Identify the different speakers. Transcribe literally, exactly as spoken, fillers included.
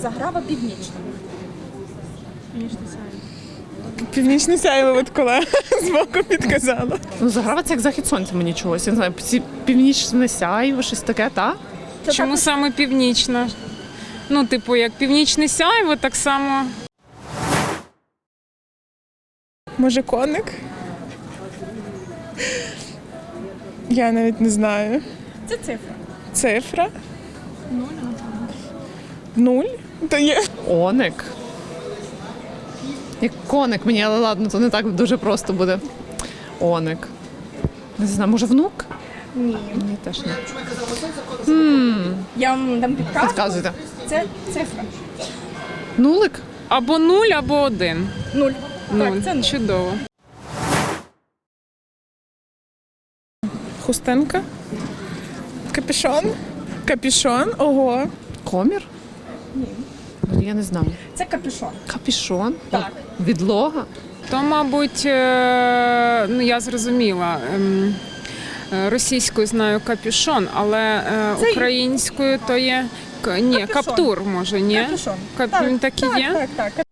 Speaker 1: Заграва північна.
Speaker 2: Північне сяйво, от колега збоку підказала.
Speaker 3: Ну, Заграва – це як захід сонця мені чогось. Я не знаю, ці- північне сяйво, щось таке, та?
Speaker 1: Це
Speaker 4: Чому
Speaker 1: також
Speaker 4: саме північна? Ну, типу, як північне сяйво, так само.
Speaker 2: Може, коник? Я навіть не знаю.
Speaker 1: це цифра.
Speaker 2: Цифра? Нуль? То є.
Speaker 3: Оник. Як коник мені, але ладно, то не так дуже просто буде. Оник. Не знаю, може внук?
Speaker 1: Ні.
Speaker 3: Ні, теж ні.
Speaker 1: Я вам дам підказку.
Speaker 3: Підказуйте.
Speaker 1: Це цифра.
Speaker 3: Нулик?
Speaker 4: Або нуль, або один.
Speaker 1: Нуль.
Speaker 4: Нуль.
Speaker 1: Так, це нуль.
Speaker 4: Чудово.
Speaker 2: Хустинка? Капюшон? Капюшон? Ого.
Speaker 3: Комір? Ні. Я не знаю.
Speaker 1: Це капюшон.
Speaker 3: Капюшон?
Speaker 1: Так.
Speaker 3: Відлога?
Speaker 4: То, мабуть, е, ну я зрозуміла. ем, е, Російською знаю капюшон, але е,
Speaker 1: Це-
Speaker 4: українською то є к- ні,
Speaker 1: Капюшон.
Speaker 4: каптур, може, ні?
Speaker 1: Капюшон.
Speaker 4: Кап...
Speaker 1: Так,
Speaker 4: Він так і
Speaker 1: так,
Speaker 4: є?
Speaker 1: так, так.